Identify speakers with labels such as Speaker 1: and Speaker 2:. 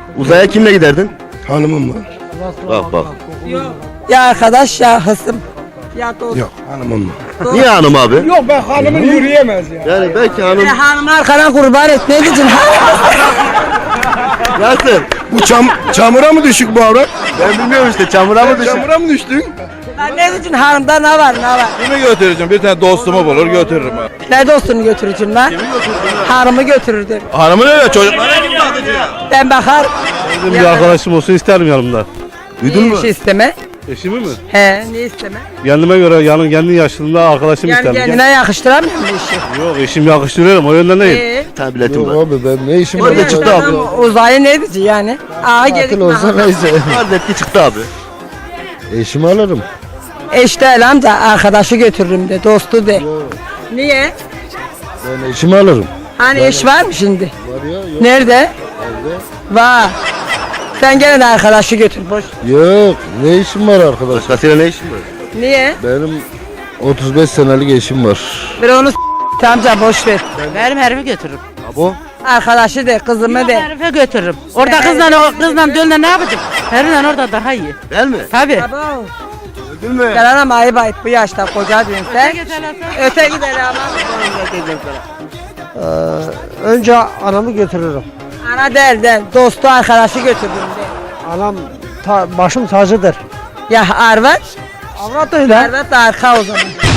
Speaker 1: Uzaya kimle giderdin?
Speaker 2: Hanımım var.
Speaker 1: Bak bak.
Speaker 3: Ya arkadaş ya hısım. Ya dost.
Speaker 2: Yok hanımım var.
Speaker 1: Niye hanım abi?
Speaker 4: Yok ben hanımın yürüyemez ya.
Speaker 1: Yani belki hanım...
Speaker 3: Hanımı arkana kurban et. Ne diyeceksin?
Speaker 1: Nasıl?
Speaker 2: Bu çamura mı düşük bu avrat?
Speaker 1: Ben bilmiyorum işte çamura mı düşün?
Speaker 2: Çamura mı düştün?
Speaker 3: Ne diyeceksin hanımda ne var ne var?
Speaker 5: Kimi götüreceğim? Bir tane dostumu bulur götürürüm ha.
Speaker 3: Ne dostunu götürürsün lan? Hanımı götürürdüm.
Speaker 5: Hanımın öyle çocuklara kim bakacak?
Speaker 3: Ben bakar.
Speaker 6: Benim bir arkadaşım olsun isterim yanımda.
Speaker 1: Duydun mu?
Speaker 3: Bir şey isteme.
Speaker 6: Eşimi mi?
Speaker 3: He ne isteme?
Speaker 6: Kendime göre kendi yaşında arkadaşım
Speaker 3: Yani
Speaker 6: isterim.
Speaker 3: kendine yakıştıramıyor mu işi?
Speaker 6: Yok eşim yakıştırıyorum o yönden değil.
Speaker 1: Bir tane biletim
Speaker 2: Yok
Speaker 1: var.
Speaker 2: abi ben ne işim
Speaker 1: Orada
Speaker 2: var?
Speaker 1: çıktı abi.
Speaker 3: Uzayı ne diyeceksin yani? Ağa
Speaker 2: Tatil
Speaker 3: gelip
Speaker 2: olsa neyse.
Speaker 1: Farz ki çıktı abi.
Speaker 2: Eşimi alırım.
Speaker 3: eş değil amca arkadaşı götürürüm de dostu de. Niye?
Speaker 2: Ben eşimi alırım.
Speaker 3: Hani eş var mı şimdi?
Speaker 2: Var ya yok.
Speaker 3: Nerede?
Speaker 2: Evde.
Speaker 3: Var. Sen gene de arkadaşı götür boş.
Speaker 2: Yok ne işim var arkadaş?
Speaker 1: Başkasıyla ne işin var?
Speaker 3: Niye?
Speaker 2: Benim 35 senelik eşim var.
Speaker 3: Bir onu amca boş ver.
Speaker 7: Benim herifi götürürüm.
Speaker 1: Bu?
Speaker 3: Arkadaşı de kızımı
Speaker 7: Yok,
Speaker 3: de.
Speaker 7: herife götürürüm. Orada kızla dölle ne yapacağım? Herifle orada daha iyi.
Speaker 1: Değil mi?
Speaker 7: Tabii.
Speaker 3: Abo.
Speaker 1: Öldün mü?
Speaker 3: Gel anam ayıp ayıp bu yaşta koca diyorsun sen. Öte gidelim ama.
Speaker 4: Önce anamı götürürüm.
Speaker 3: Ana değil dostu arkadaşı götürdüm de.
Speaker 4: Anam başım tacıdır.
Speaker 3: Ya Arvat?
Speaker 4: Avrat öyle.
Speaker 3: Arvat da arka o zaman.